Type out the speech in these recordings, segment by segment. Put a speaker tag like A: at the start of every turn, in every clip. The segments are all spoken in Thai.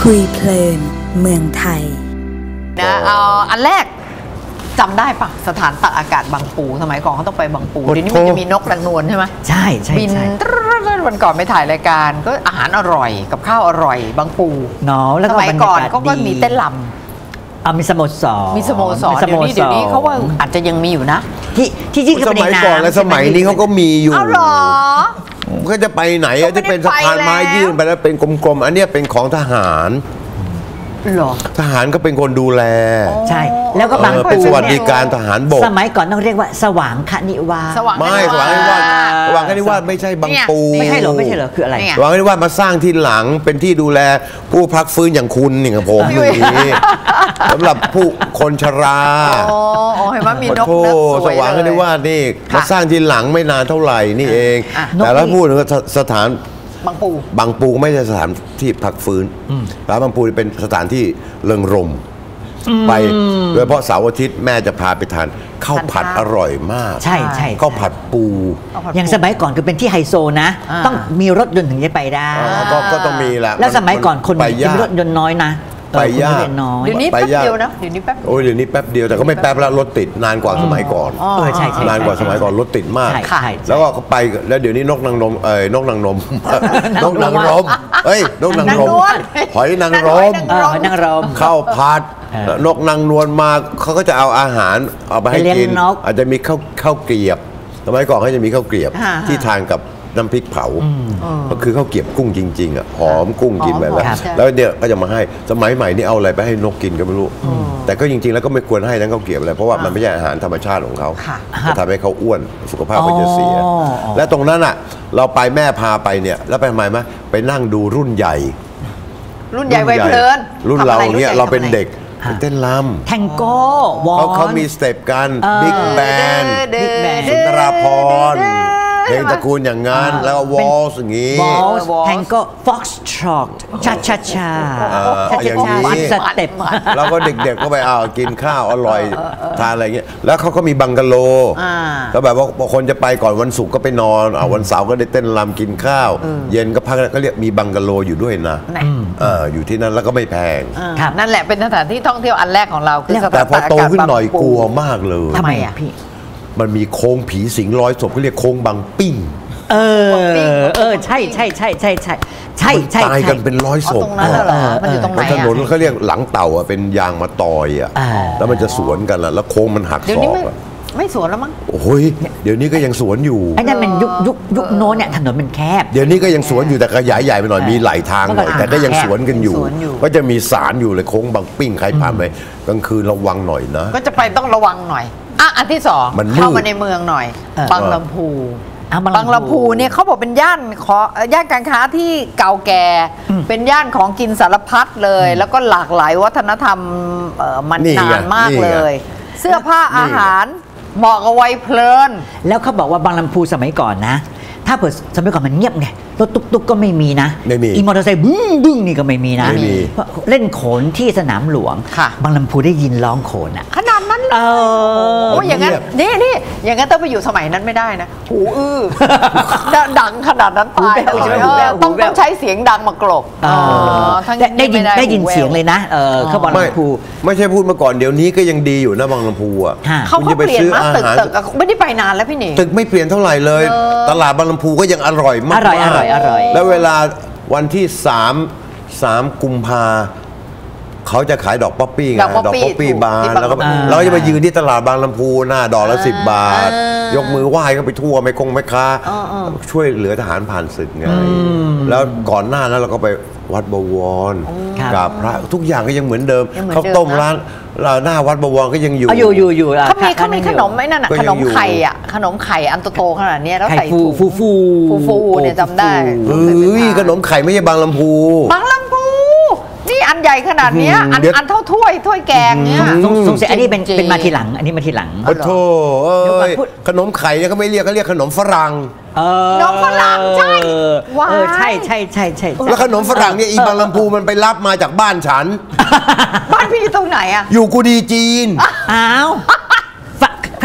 A: คุยเพลินเมืองไทย
B: นะอันแรกจำได้ปะสถานตากอากาศบางปูสมัยก่อนเขาต้องไปบางปูเดี๋ยวนี้มันจะมีนกนางนวลใช่ไหม
C: ใช่ใช่
B: บินวันก่อนไปถ่ายรายการก็อาหารอร่อยกับข้าวอร่อยบางปู
C: เนาะแล้ว
B: สมัยก่อนเขาก็มีเต้นรำ
C: มีสโมสร
B: เดี๋ยวนี้เขาว่าอาจจะยังมีอยู่นะ
C: ที่
D: สมัยก่อนและสมัยนี้เขาก็มีอยู่
B: เอาหรอ
D: ก็จะไปไหนจะเป็นสะพานไม้ยื่นไปแล้วเป็นกลมๆอันนี้เป็นของทหาร
B: หรอ
D: ทหารก็เป็นคนดูแล
C: ใช่แล้วก็บาง
D: เป็นสวัสดิการทหารบก
C: สมัยก่อนต้องเรียกว่าสว่างคณิวาส
D: ไม่สว่างคณิวาสว่างคณิวาไม่ใช่บางปู
C: ไม่ใช่เหรอคืออะไร
D: สว่างคณิวามาสร้างที่หลังเป็นที่ดูแลผู้พักฟื้นอย่างคุณนี่กับผมอย่างนี้สำหรับผู้คนชรา
B: เห็นว่ามีนก
D: สว่างคณิวานี่มาสร้างที่หลังไม่นานเท่าไหร่นี่เองแต่แล้วพูดถึงสถานบางปูไม่ใช่สถานที่พักฟื้นร้านบางปูเป็นสถานที่เริงรมไปโดยเฉพาะเสาร์อาทิตย์แม่จะพาไปทานข้าวผัดอร่อยมาก
C: ใช่
D: ข้าวผัดปู
C: อย่างสมัยก่อนคือเป็นที่ไฮโซนะต้องมีรถยนต์ถึงจะไปได้
D: ก็ต้องมีแหละ
C: แล้วสมัยก่อนคนมีรถยนต์น้อยนะ
D: ไปยาก
B: เดี๋ยวนี้แป๊บเดียวนะเดี๋ยวนี้แป๊บ
D: เดี๋ยวนี้แป๊บเดียวแต่ก็ไม่แป๊บแล้วรถติดนานกว่าสมัยก่อน
C: ใช่
D: นานกว่าสมัยก่อนรถติดมากแล้วก็ไปแล้วเดี๋ยวนี้นกนางรมนกนางรมนกนางรมนกนางรมหอยนางรมข้าวผัดนกนางนวลมาเขาก็จะเอาอาหารเอาไปให้กินอาจจะมีข้าวเกลียบสมัยก่อนเขาจะมีข้าวเกลียบที่ทานกับน้ำพริกเผาก็คือข้าวเกรียบกุ้งจริงๆอ่ะหอมกุ้งกินแบบนั้นแล้วเนี่ยก็จะมาให้สมัยใหม่นี่เอาอะไรไปให้นกกินก็ไม่รู้แต่ก็จริงๆแล้วก็ไม่ควรให้ทั้งข้าวเกรียบอะไรเพราะว่ามันไม่ใช่อาหารธรรมชาติของเขาจะทำให้เขาอ้วนสุขภาพก็จะเสียและตรงนั้นอ่ะเราไปแม่พาไปเนี่ยแล้วไปทำไมไปนั่งดูรุ่นใหญ่
B: วัยเพลิน
D: รุ่นเราเนี่ยเราเป็นเด็กเต้นรำ
C: แทงโก้
D: เขามีสเต็ปกันบิ๊กแบนด์สุนทราภรณ์เพลงตระกูลอย่างงั้นแล้ววอลส์อย่างงี้
C: แทงโก้ฟ็อกซ์ทรอตชา
D: อย่างนี้
C: สเต็ป
D: แล้วก็เด็กๆก็ไปกินข้าวอร่อยทานอะไรเงี้ยแล้วเขาก็มีบังกะโลแล้วแบบว่าคนจะไปก่อนวันศุกร์ก็ไปนอนวันเสาร์ก็ได้เต้นรำกินข้าวเย็นก็พักก็เรียกมีบังกะโลอยู่ด้วยนะอยู่ที่นั่นแล้วก็ไม่แพง
B: นั่นแหละเป็นสถานที่ท่องเที่ยวอันแรกของเราคือ
D: แต่พอโตขึ้นหน่อยกลัวมากเลย
C: ทำไมอ่ะพี่
D: มันมีโค้งผีสิงร้อยศพเขาเรียกโค้งบางปิ้ง
C: ใช่
D: ตายกันเป็นร้อยศพ
B: ตรงนั้นเหรอมันอยู่ตรงไหน
D: ถนนเขาเรียกหลังเต่าเป็นยางมะตอยแล้วมันจะสวนกันแล้วโค้งมันหักศอก
B: ไม่สวนแล้วมั้ง
D: โอ้ยเดี๋ยวนี้ก็ยังสวนอยู่
C: ไอ้นั่นมันยุคโน้นเนี่ยถนนมันแคบ
D: เดี๋ยวนี้ก็ยังสวนอยู่แต่ขยายใหญ่ไปหน่อยมีหลายทางหน่อยแต่ก็ยังสวนกันอยู่ก็จะมีศาลอยู่เลยโค้งบางปิ้งใครผ่านไปกลางคืนระวังหน่อยนะ
B: ก็จะไปต้องระวังหน่อยอันที่สองเข้ามาในเมืองหน่อยบางลำพูบางลำพูเนี่ยเขาบอกเป็นย่านการค้าที่เก่าแก่เป็นย่านของกินสารพัดเลยแล้วก็หลากหลายวัฒนธรรมมันนานมากเลยเสื้อผ้าอาหารเหมาะกับวัยเพลิน
C: แล้วเขาบอกว่าบางลำพูสมัยก่อนนะถ้าเปิดสมัยก่อนมันเงียบไงรถตุ๊กก็ไม่มีนะอีมอเตอร์ไซค์บึ้งนี่ก็ไม่มีนะเล่นโขนที่สนามหลวงบางลำพูได้ยินร้องโขนอ่ะ
B: ขนาดนั้นเลยโอ้ยอย่างนั้นนี่อย่างนั้นต้องไปอยู่สมัยนั้นไม่ได้นะหูดังขนาดนั้นตายต้องใช้เสียงดังมากลบ
C: ได้ยินเสียงเลยนะเขาบางลำพู
D: ไม่ใช่พูดมาก่อนเดี๋ยวนี้ก็ยังดีอยู่นะบางลำพูอ่ะ
B: เขาเปลี่ยนมาตึกไม่ได้ไปนานแล้วพี่หนิ
D: ตึกไม่เปลี่ยนเท่าไหร่เลยตลาดบางลำพูก็ยังอร่อยมากแล้วเวลาวันที่3 กุมภาเขาจะขายดอกป๊อปปี้ไงดอกป๊อปปี้บานแล้วก็เราจะไปยืนที่ตลาดบางลำพูหน้าดอกละ10 บาทยกมือไหว้ก็ไปทั่วไม่ค้าช่วยเหลือทหารผ่านศึกไงแล้วก่อนหน้านั้นเราก็ไปวัดบวรกับพระทุกอย่างก็ยังเหมือนเดิมเขาต้มร้านหน้าวัดบวรก็ยังอยู่
B: เขามีขนมไหมนั่นขนมไข่ขนมไข่อันโตขนาดนี้แล้วใส่ฟูเนี่ยจำได้
D: ขนมไข่ไม่ใช่บางลำพู
B: นี่อันใหญ่ขนาดนี้อันเท่าถ้วยแกงเนี่ย
C: สงสัยอันนี้เป็นมาทีหลังอันนี้มาทีหลัง
D: โอ้โธ่ขนมไข่เนี่ยเขาไม่เรียกเขาเรียกขนมฝรั่ง
B: ขนมฝรั่งใช่
C: ใช่
D: แล้วขนมฝรั่งเนี่ยอีบางลำพูมันไปรับมาจากบ้านฉัน
B: บ้านพี่ตรงไหนอะ
D: อยู่กูดีจีน
C: อ้าว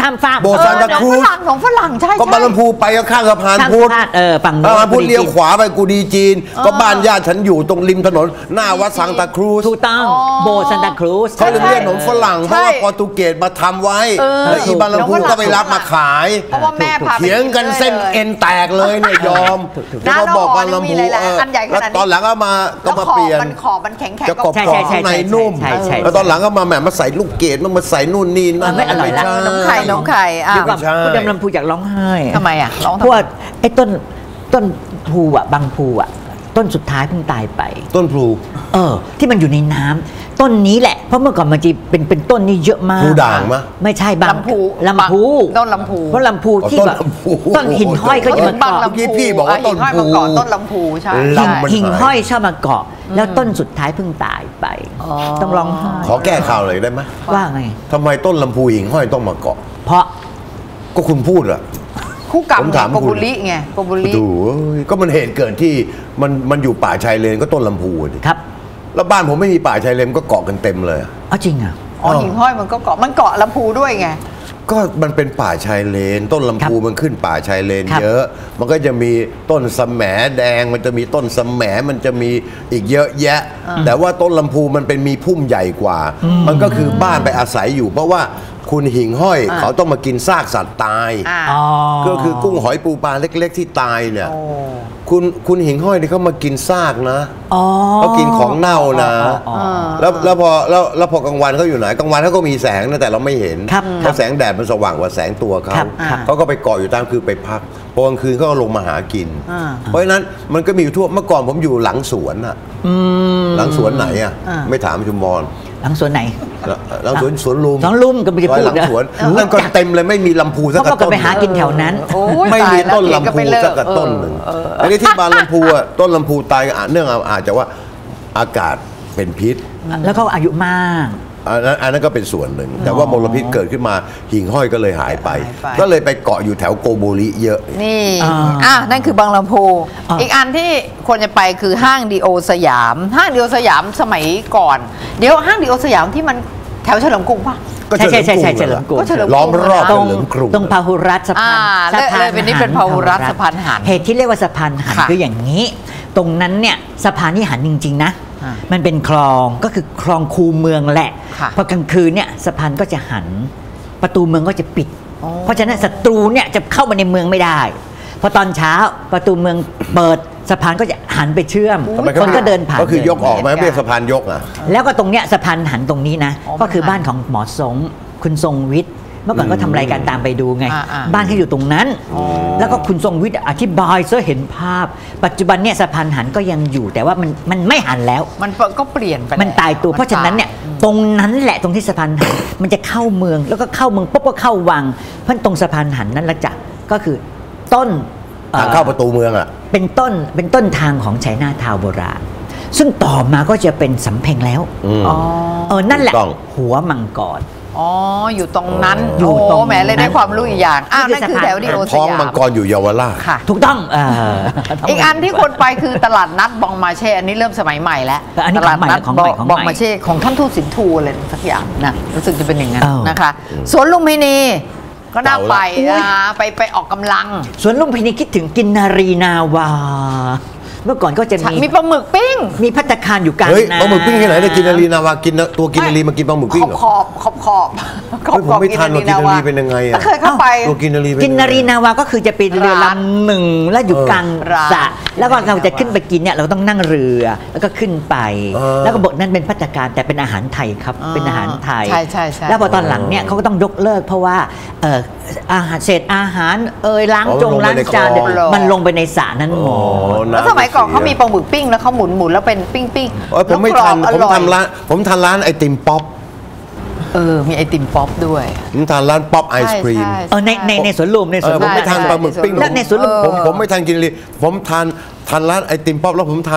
C: ข้ามฟาก
D: โบสถ์ซานตาครูซ
B: ของฝรั่งใช่
D: ก็บางลำพูไปก็ข้างสะพานพุทธ
C: ฝั่ง
D: พุทธเลี้ยวขวาไปกูดีจีนก็บ้านญาติฉันอยู่ตรงริมถนนหน้าวัดซานตาครูซ
C: ถูกต้องโบสถ์ซานตาครูซ
D: เขาเรียกขนมฝรั่งเพราะว่าโปรตุเกสมาทำไว้แล้วอีบางลำพูก็ไปรับมาขาย
B: เพราะว่าแม่พา
D: เถียงกันเส้นเอ็นแตกเลยเนี่ยยอมแล้วก็บอกบางลำพูแล้วตอนหลังก็มาเปลี่ยน
B: มันแข็ง
D: จะกรอบข้างในนุ่มแล้วตอนหลังก็มาแหมมาใส่ลูกเกดมาใส่นู่นนี่นั่น
C: ไม่อร่อยละ
B: น้องไข่
C: คุณดำลำพูอยากร้องไห้
B: ทำไมอ่ะร้อง
C: เพราะว่าไอ้ต้นพูอ่ะบางพูอ่ะต้นสุดท้ายเพิ่งตายไป
D: ต้นพลู
C: ที่มันอยู่ในน้ำต้นนี้แหละเพราะเมื่อก่อนมันจะเป็นต้นนี้เยอะมาก
D: พูด่างมะ
C: ไม่ใช่บาง
B: ลำพู
C: ต้นลำพูเพราะลำพูที่แบบต้นหิ่งห้อยก็จะมาเกาะ
D: เมื่อกี้พี่บอกว่าต้นพู
B: ต้นลำพูใช่
C: หิ่งห้อยชอบมาเกาะแล้วต้นสุดท้ายเพิ่งตายไปต้องร้องไห้
D: ขอแก้ข่าวเลยได้ไหม
C: ว่าไง
D: ทำไมต้นลำพูหิ่งห้อยต้องมาเกาะ
C: เพราะ
D: ก็คุณพูดอะ
B: คู่กรรมโกบุริไงโกบุริ
D: ดูก็มันเหตุเกิดที่มันอยู่ป่าชายเลนก็ต้นลำพู
C: ครับ
D: แล้วบ้านผมไม่มีป่าชายเลนก็เกาะกันเต็มเลย
C: จริงอ่ะ
B: หิ่งห้อยมันก็เกาะลำพูด้วยไง
D: ก็มันเป็นป่าชายเลนต้นลำพูมันขึ้นป่าชายเลนเยอะมันก็จะมีต้นสแหมแดงมันจะมีต้นสแหมมันจะมีอีกเยอะแยะแต่ว่าต้นลำพูมันเป็นมีพุ่มใหญ่กว่ามันก็คือบ้านไปอาศัยอยู่เพราะว่าคุณหิ่งห้อยเขาต้องมากินซากสัตว์ตายก็คือกุ้งหอยปูปลาเล็กๆที่ตายเนี่ยคุณหิ่งห้อยนี่เขามากินซากนะเขากินของเน่านะแล้วพอกลางวันเขาอยู่ไหนกลางวันเขาก็มีแสงนะแต่เราไม่เห็นเพราะแสงแดดมันสว่างกว่าแสงตัวเขาก็ไปเกาะอยู่ตามคือไปพักพอกลางคืนเขาก็ลงมาหากินเพราะฉะนั้นมันก็มีอยู่ทั่วเมื่อก่อนผมอยู่หลังสวนอะหลังสวนไหนอะไม่ถามชุมพร
C: หลังสวนไหน
D: หลังสวนลุม
C: ก็ไม่ได้พูด
D: หลังสวนนั่นก็เต็มเลยไม่มีลำพูสักต้น
C: ก็ไปหากินแถวนั้น
D: ไม่มีต้นลำพูสักต้นหนึ่งอันนี้ที่บางลำพูอ่ะต้นลำพูตายเนื่องอาจจะว่าอากาศเป็นพิษ
C: แล้วเขาอายุมาก
D: อันนั้นก็เป็นส่วนหนึ่งแต่ว่ามลพิษเกิดขึ้นมาหิ่งห้อยก็เลยหายไปก็เลยไปเกาะอยู่แถวโกโบริเยอะ
B: นี่นั่นคือบางลำพูอีกอันที่ควรจะไปคือห้างดีโอสยามห้างดีโอสยามสมัยก่อนเดี๋ยวห้างดีโอสยามที่มันแถวเฉลิมกรุงป่ะ
C: ใช่เฉลิมกรุง
D: ล้อมรอบเฉลิมกรุง
C: ตรงพหุรัฐสะพาน
B: เป็นนี่เป็นพหุรัฐสะพานหัน
C: เหตุที่เรียกว่าสะพานหันคืออย่างนี้ตรงนั้นเนี่ยสะพานนี่หันจริงๆนะมันเป็นคลองก็คือคลองคูเมืองแหละพอกลางคืนเนี่ยสะพานก็จะหันประตูเมืองก็จะปิดเพราะฉะนั้นศัตรูเนี่ยจะเข้ามาในเมืองไม่ได้พอตอนเช้าประตูเมืองเปิดสะพานก็จะหันไปเชื่อมคนก็เดินผ่าน
D: ก็คือยกออกไหมไม่ใช่สะพานยกอ่ะ
C: แล้วก็ตรงเนี้ยสะพานหันตรงนี้นะก็คือบ้านของหมอสงคุณทรงวิทย์เมื่อก่อนก็ทำรายการตามไปดูไงบ้านเขาอยู่ตรงนั้นแล้วก็คุณทรงวิทย์อธิบายซะเห็นภาพปัจจุบันเนี่ยสะพานหันก็ยังอยู่แต่ว่ามันไม่หันแล้ว
B: มันก็เปลี่ยนไป
C: มันตายตัวเพราะฉะนั้นเนี่ยตรงนั้นแหละตรงที่สะพานหันมันจะเข้าเมืองแล้วก็เข้าเมืองปุ๊บก็เข้าวังเพราะตรงสะพานหันนั่นละจ้ะก็คือต้น
D: ทางเข้าประตูเมืองอ่ะ
C: เป็นต้นทางของชัยนาทาวน์โบราณซึ่งต่อมาก็จะเป็นสำเพ็งแล้วนั่นแหละหัวมังกร
B: อยู่ตรงนั้นอยู่ตรงแหมเลยได้ความรู้อีกอย่างนั่นคือแถวดีโอสยาม
D: ท้องมังกรอยู่เยาวราช
C: ค่ะถูกต้อง
B: อีกอันที่คนไปคือตลาดนัดบองมาเช่อันนี้เริ่มสมัยใหม่แล้วตลาดนัดบองมาเช่ของท่านทูตสินทูอะไรสักอย่างนะรู้สึกจะเป็นอย่างนั้นนะคะสวนลุมพินีก็น่าไปไปออกกำลัง
C: สวนลุมพินีคิดถึงกินนารีนาวาเมื่อก่อนก็จะ
B: มีปลาหมึกปิ้ง
C: มีภัตตาคารอยู่กลาง
D: น้ำปลาหมึกปิ้งที่ไหนได้กินนารีนาวากินตัวกินนารีมากินปลาหมึกปิ้ง
B: ขอบ
D: ผมไม่ทันตัวกินนารีเป็นยังไงอ่ะ
B: เคยเข้าไป
D: ตัวกินนารี
C: กินนารีนาวาก็คือจะเป็นเรือลำหนึ่งแล้วอยู่กลางสระแล้วก็เราจะขึ้นไปกินเนี่ยเราต้องนั่งเรือแล้วก็ขึ้นไปแล้วก็บทนั้นเป็นภัตตาคารแต่เป็นอาหารไทยครับเป็นอาหารไทย
B: ใช่
C: แล้วพอตอนหลังเนี่ยเขาก็ต้องยกเลิกเพราะว่าอาหารเศษอาหารล้างจานมันลงไปในสระนั้นหมด
B: แล้วสมัยก่อนเขามีปลาหมึกปิ้งแล้วเขาหมุนแล้วเป็นปิ้ง
D: ผมไม่ทันผมทานร้านไอติมป๊อป
B: มีไอติมป๊อปด้วย
D: ผมทานร้านป๊อปไอศครีม
C: ในสวนลุม
D: ผมไม่ทานปลาหมึกปิ้ง
C: แล้วในสวนลุม
D: ผมไม่ทานกินเลยผมทานร้านไอติมป๊อปแล้วผมทาน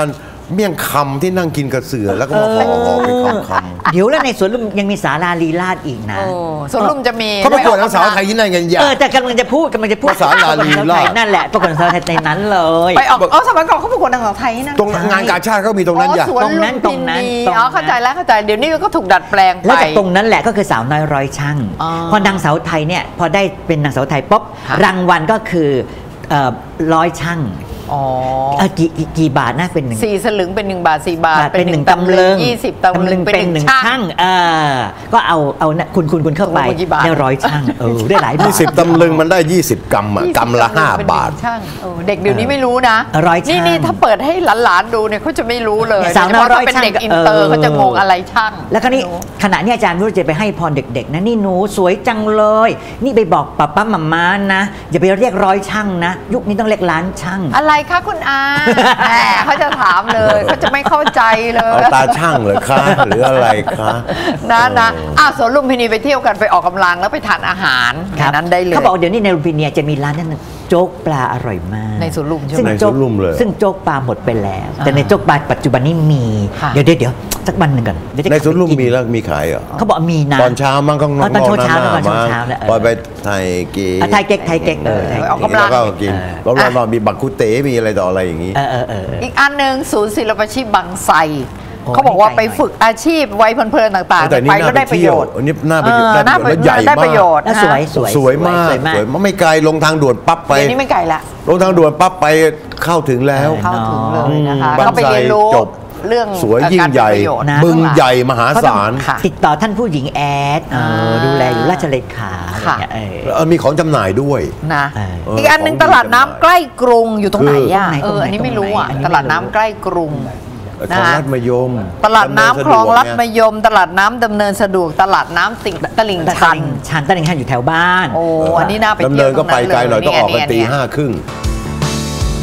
D: เมี่ยงคำที่นั่งกินกระเสือแล้วก็มาห่อเป็นคำ
C: เดี๋ยวแล้วในสวนลุมยังมีศาลาลีลาศอีกนะ
B: สวนลุมจะมี
D: เขาประกวดนางสาวไทยที่นั่นกันอย่าง
C: แต่กำลังจะพูด
D: ศาลาลีลาศ
C: นั่นแหละประกวดนางสาวไทยในนั้นเลย
B: ไปออกสมัยก่อนเขาประกวดนางสาวไทยนั่น
D: ตรงงานกาชาติก็มีตรงนั้นอย่าง
B: ตรงนั้นเข้าใจแล้วเดี๋ยวนี้ก็ถูกดัดแปลงไป
C: แล้วจากตรงนั้นแหละก็คือสาวน้อยร้อยช่างพอนางสาวไทยเนี่ยพอได้เป็นนางสาวไทยปุ๊บรางวัลก็คือร้อยช่างกี่บาทนะเป็น
B: 4 สลึงเป็น1 บาท4 บาท
C: เป็น1 ตำลึง
B: 20 ตำลึงเป็น1 ช่าง
C: ก็เอาคุณเข้าไปได้ร้อยช่างได้หลายบาท
D: 20 ตำลึงมันได้20 กรัมกรัมละ5 บาท
B: เด็กเดี๋ยวนี้ไม่รู้นะนี่ถ้าเปิดให้หลานๆดูเนี่ยเขาจะไม่รู้เลย
C: สาวน้อยร้อยช่าง
B: เป็นเด็กอินเตอร์เขาจะงงอะไรช่าง
C: แล้วคราวนี้ขณะนี้อาจารย์รู้จะไปให้พรเด็กๆนะนี่หนูสวยจังเลยนี่ไปบอกป้ามัมม่านะอย่าไปเรียกร้อยช่างนะยุคนี้ต้องเรียกล้านช่าง
B: อะไรคะคุณอาเขาจะถามเลยเขาจะไม่เข้าใจเลย
D: ตาช่างเหรอคะหรืออะไรคะ
B: นะสวนลุมพินีไปเที่ยวกันไปออกกำลังแล้วไปทานอาหารนั้นได้เลย
C: เขาบอกเดี๋ยวนี้ในลุมพินีจะมีร้านนั้นโจ๊กปลาอร่อยมาก
B: ในสวนลุมใช่ไห
D: มในสวนลุมเลย
C: ซึ่งโจ๊กปลาหมดไปแล้วแต่ในโจ๊กปลาปัจจุบันนี้มีเดี๋ยวสักวันหนึ่งก่อน
D: ในสวนลุมมีแล้วมีขายเหรอ
C: เขาบอกมีนะ
D: ตอนเช้ามั้งก็
C: ตอนเช้า
D: พอไปไทยเก๊ก
B: ออกกำลัง
D: ก็กินแล้วเรามีบักคุเต๋มีอะไรต่ออะไรอย่างนี้
B: อีกอันหนึ่งศูนย์ศิลปาชีพบางไทรเขาบอกว่าไปฝึกอาชีพไว้เพลินๆต่างๆไปก็ได้ประโยชน์
D: อันนี้น่าประโยชน์และใหญ่มาก
C: สวย
D: มากไม่ไกลลงทางด่วนปั๊บไป
B: นี่ไม่ไกลละ
D: ลงทางด่วนปั๊บไปเข้าถึงแล้ว
B: เลยนะคะก็ไปเรียนรู้เรื่อง
D: สวยยิ่งใหญ่บึงใหญ่มหาศาล
C: ติดต่อท่านผู้หญิงแอดดูแลอยู่ราชเลขา
D: มีของจำหน่ายด้วย
B: นะอีกอันหนึ่งตลาดน้ำใกล้กรุงอยู่ตรงไหนอันนี้ไม่รู้ตลาดน้ำใกล้กรุง
D: คลองลัดมะยม
B: ตลาดน้ำคลองลัดมะยมตลาดน้ำดำเนินสะดวกตลาดน้ำตลิ่งชัน
C: ตลิ่งชันอยู่แถวบ้าน
B: อันนี้น่าไป
D: เที่ยวดำเนินก็ไปไกลหน่อยต้องออกกันตี 5:30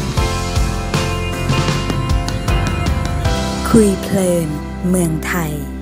A: คุยเพลินเมืองไทย